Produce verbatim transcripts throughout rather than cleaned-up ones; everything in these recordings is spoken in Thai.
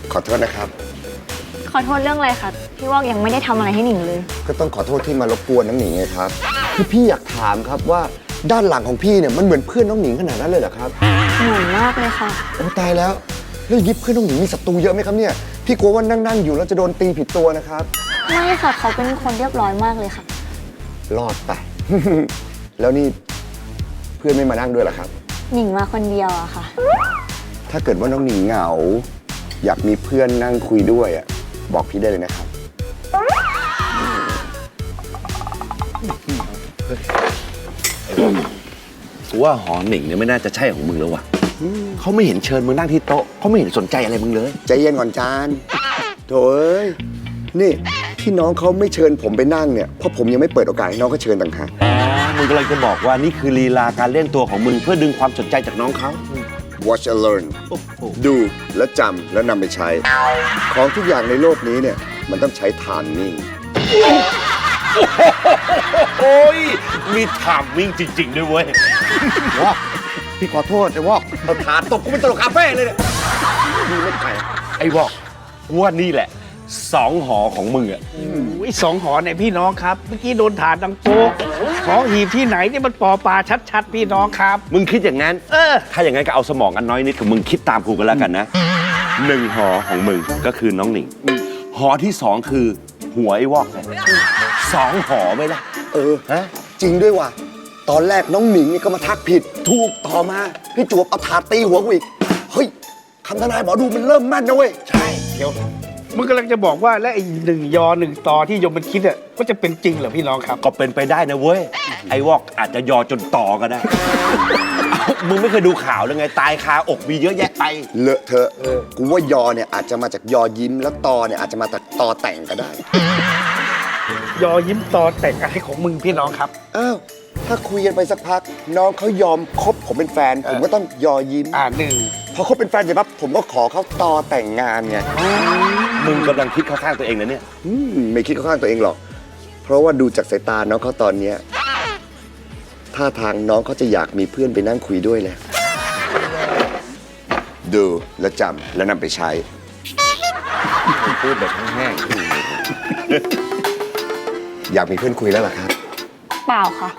ขอโทษนะครับขอโทษเรื่องอะไรคะพี่วอกยังไม่ได้ทำอะไรให้หนิงเลยก็ต้องขอโทษที่มารบกวนน้องหนิงไงครับคือพี่อยากถามครับว่าด้านหลังของพี่เนี่ยมันเหมือนเพื่อนน้องหนิงขนาดนั้นเลยเหรอครับเหมือนมากเลยค่ะโอ้ตายแล้วแล้วอย่างนี้เพื่อนน้องหนิงมีศัตรูเยอะไหมครับเนี่ยพี่กลัวว่านั่งๆอยู่แล้วจะโดนตีผิดตัวนะครับไม่ค่ะเขาเป็นคนเรียบร้อยมากเลยค่ะรอดไป แล้วนี่เพื่อนไม่มานั่งด้วยเหรอครับหนิงมาคนเดียวอะค่ะถ้าเกิดว่าน้องหนิงเหงาอยากมีเพื่อนนั่งคุยด้วยอะบอกพี่ได้เลยนะครับกูว่าหอหนิงเนี่ยไม่น่าจะใช่ของมึงแล้ววะเขาไม่เห็นเชิญมึงนั่งที่โต๊ะเขาไม่เห็นสนใจอะไรมึงเลยใจเย็นก่อนจานโถเอ้ยนี่ที่น้องเขาไม่เชิญผมไปนั่งเนี่ยเพราะผมยังไม่เปิดโอกาสให้น้องเขาเชิญต่างหากอ๋อมึงกำลังจะบอกว่านี่คือลีลาการเล่นตัวของมึงเพื่อดึงความสนใจจากน้องเขา watch and learn ดูและจำแล้วนำไปใช้ของทุกอย่างในโลกนี้เนี่ยมันต้องใช้ทามมิ่งโอ้ยมีทามมิ่งจริงๆด้วยเว้ยว่าพี่ขอโทษไอ้วอกเอาถาตบกูเป็นตลกคาเฟ่เลยเนี่ยดีไม่ไกลไอ้วอกว่านี่แหละสองหอของมึงอ่ะสองหอเนี่ยพี่น้องครับเมื่อกี้โดนถาดดังโป๊กของหีบที่ไหนนี่มันปอปลาชัดๆพี่น้องครับมึงคิดอย่างนั้นเออถ้าอย่างนั้นก็เอาสมองอันน้อยนิดของมึงคิดตามกูกันแล้วกันนะหนึ่งหอของมึงก็คือน้องหนิงหอที่สองคือหัวไอ้วอกเลยสองหอไหมล่ะเออฮะจริงด้วยว่ะตอนแรกน้องหนิงนี่ก็มาทักผิดถูกต่อมาพี่จวบเอาถาดตีหัวกูอีกเฮ้ยคำทนายหมอดูมันเริ่มแม่นนะเว้ยใช่เดี๋ยวมึงกำลังจะบอกว่าและไอ้หนึ่งยอหนึ่งตอที่ยมมันคิดอ่ะก็จะเป็นจริงเหรอพี่น้องครับก็เป็นไปได้นะเว้ยไอ้วอกอาจจะยอจนต่อก็ได้มึงไม่เคยดูข่าวเลยไงตายคาอกมีเยอะแยะไปเลอะเทอะกูว่ายอเนี่ยอาจจะมาจากยอยิ้มแล้วตอเนี่ยอาจจะมาจากตอแต่งก็ได้ยอยิ้มตอแต่งอะไรของมึงพี่น้องครับอ้าวถ้าคุยกันไปสักพักน้องเขายอมคบผมเป็นแฟนผมก็ต้องยอยิ้มอ่าหนึ่งพอคบเป็นแฟนเสร็จปั๊บผมก็ขอเขาตอแต่งงานไงมึงกำลังคิดเข้าข้างตัวเองนะเนี่ยไม่คิดเข้าข้างตัวเองหรอกเพราะว่าดูจากสายตาน้องเขาตอนเนี้ยท่าทางน้องเขาจะอยากมีเพื่อนไปนั่งคุยด้วยเลยดูและจำแล้วนำไปใช้พูดแบบแห้งๆอยากมีเพื่อนคุยแล้วเหรอครับเปล่าค่ะ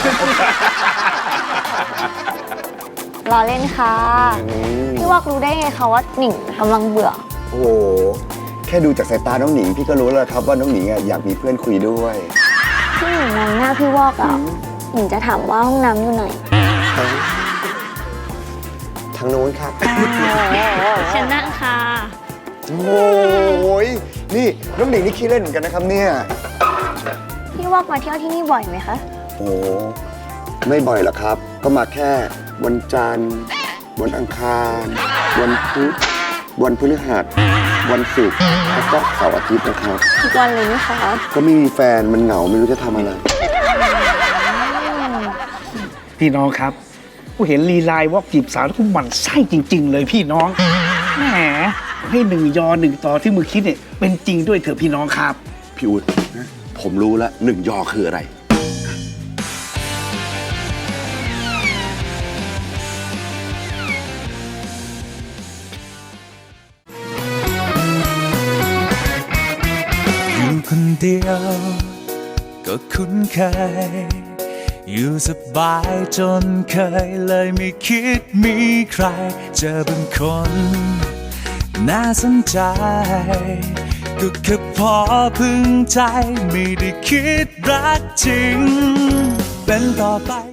รอเล่นค่ะพี่วอกรู้ได้ไงคะว่าหนิงกำลังเบื่อโอ้โหแค่ดูจากสายตาน้องหนิงพี่ก็รู้แล้วครับว่าน้องหนิงอยากมีเพื่อนคุยด้วยที่หนิงมองหน้าพี่วอกอ่ะหนิงจะถามว่าห้องน้ำอยู่ไหนทางโน้นครับเชิญนั่งค่ะโอ้ยนี่น้องหนิงนี่ขี้เล่นเหมือนกันนะครับเนี่ยพี่วอกมาเที่ยวที่นี่บ่อยไหมคะโอ้ไม่บ่อยหรอกครับก็มาแค่วันจันทร์วันอังคารวันพุธวันพฤหัสวันศุกร์แล้วก็เสาร์อาทิตย์นะครับทุกวันเลยไหมคะก็ไม่มีแฟนมันเหงาไม่รู้จะทำอะไรพี่น้องครับกูเห็นลีลายวอกจีบสาวแล้วกูหมั่นไส้จริงๆเลยพี่น้องแหมให้หนึ่งยอหนึ่งตอที่มึงคิดเนี่ยเป็นจริงด้วยเถอะพี่น้องครับพี่อุ๊ดผมรู้แล้วหนึ่งยอคืออะไรอยู่คนเดียวก็คุ้นเคยอยู่สบายจนเคยเลยไม่คิดมีใครเจอเป็นคนน่าสนใจก็แค่พอพึงใจไม่ได้คิดรักจริงเป็นต่อไป